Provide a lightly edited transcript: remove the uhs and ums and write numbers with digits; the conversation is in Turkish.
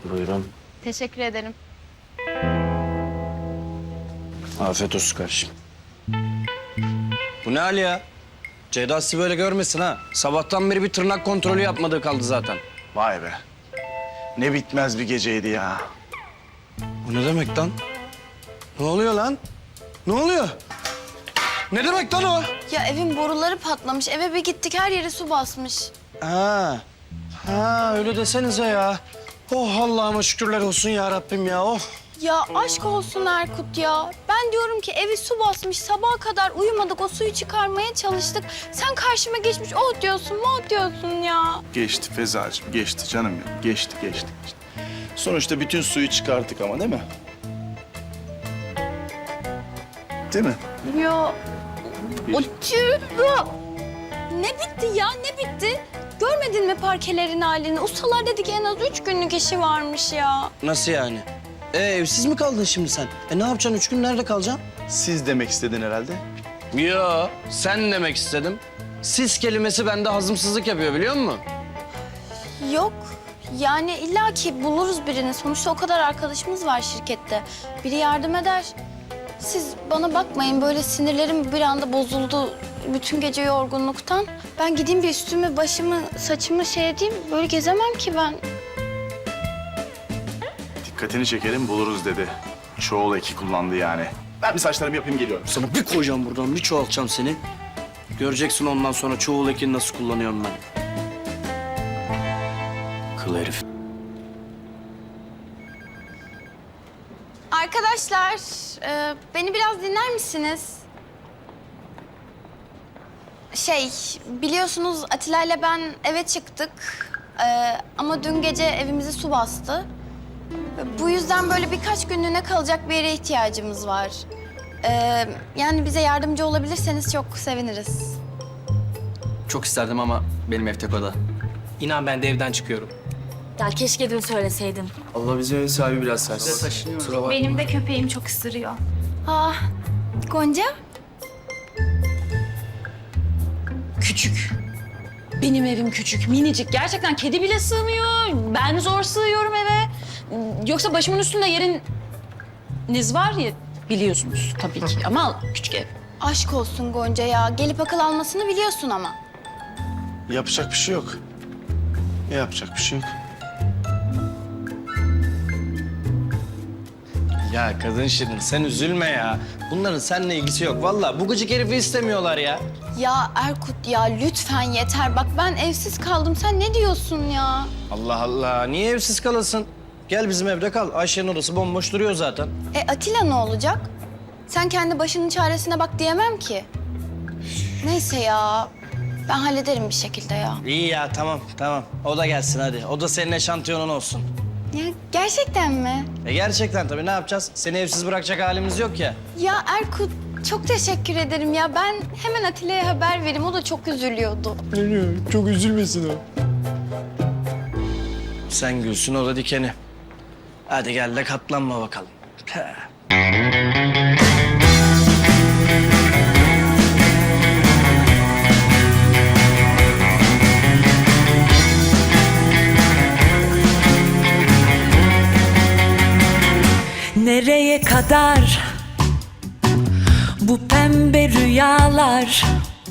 Buyurun. Teşekkür ederim. Afiyet olsun kardeşim. Bu ne hal ya? Ceyda sizi böyle görmesin ha. Sabahtan beri bir tırnak kontrolü yapmadığı kaldı zaten. Vay be. Ne bitmez bir geceydi ya. Bu ne demek lan? Ne oluyor lan? Ne oluyor? Ne demek lan o? Ya evin boruları patlamış. Eve bir gittik her yere su basmış. Ha. Ha öyle desenize ya. Oh Allah'ıma şükürler olsun ya Rabbim ya. Oh. Ya aşk olsun Erkut ya. Ben diyorum ki evi su basmış. Sabaha kadar uyumadık. O suyu çıkarmaya çalıştık. Sen karşıma geçmiş oh diyorsun, oh diyorsun ya. Geçti Fezacığım, geçti canım benim. Geçti. Sonuçta bütün suyu çıkarttık ama değil mi? Değil mi? Ya o ne bitti ya ne bitti? Görmedin mi parkelerin halini? Ustalar dedi ki en az 3 günlük işi varmış ya. Nasıl yani? Evsiz mi kaldın şimdi sen? Ne yapacaksın? 3 gün nerede kalacaksın? Siz demek istedin herhalde. Yo, sen demek istedim. Siz kelimesi bende hazımsızlık yapıyor biliyor musun? Yok. Yani illaki buluruz birini. Sonuçta o kadar arkadaşımız var şirkette. Biri yardım eder. Siz bana bakmayın. Böyle sinirlerim bir anda bozuldu. Bütün gece yorgunluktan. Ben gideyim bir üstümü, başımı, saçımı şey edeyim. Böyle gezemem ki ben. Dikkatini çekelim buluruz dedi. Çoğul eki kullandı yani. Ben bir saçlarımı yapayım geliyorum. Sana bir koyacağım buradan, bir çoğaltacağım seni. Göreceksin ondan sonra çoğul ekini nasıl kullanıyorum ben. Kıl herif. Arkadaşlar, beni biraz dinler misiniz? Biliyorsunuz Atilla ile ben eve çıktık. Ama dün gece evimizi su bastı. Bu yüzden böyle birkaç günlüğüne kalacak bir yere ihtiyacımız var. Yani bize yardımcı olabilirseniz çok seviniriz. Çok isterdim ama benim ev tek oda. İnan ben de evden çıkıyorum. Ya keşke dün söyleseydin. Allah bizim ev sahibi biraz sert. Benim de köpeğim çok ısırıyor. Ah, Gonca? Küçük. Benim evim küçük, minicik. Gerçekten kedi bile sığmıyor. Ben zor sığıyorum eve. Yoksa başımın üstünde yeriniz var ya biliyorsunuz tabii ki ama küçük ev. Aşk olsun Gonca ya. Gelip akıl almasını biliyorsun ama. Yapacak bir şey yok. Yapacak bir şey yok. Ya kadın şirin sen üzülme ya. Bunların seninle ilgisi yok. Vallahi bu gıcık herifi istemiyorlar ya. Ya Erkut ya lütfen yeter. Bak ben evsiz kaldım. Sen ne diyorsun ya? Allah Allah. Niye evsiz kalasın? Gel bizim evde kal. Ayşe'nin odası bomboş duruyor zaten. Atilla ne olacak? Sen kendi başının çaresine bak diyemem ki. Neyse ya. Ben hallederim bir şekilde ya. İyi ya tamam. O da gelsin hadi. O da senin eşantiyonun olsun. Ya gerçekten mi? Gerçekten tabii ne yapacağız? Seni evsiz bırakacak halimiz yok ya. Ya Erkut çok teşekkür ederim ya. Ben hemen Atilla'ya haber vereyim. O da çok üzülüyordu. Çok üzülmesin o. Sen gülsün o da dikeni. Hadi gel de katlanma bakalım. Nereye kadar bu pembe rüyalar?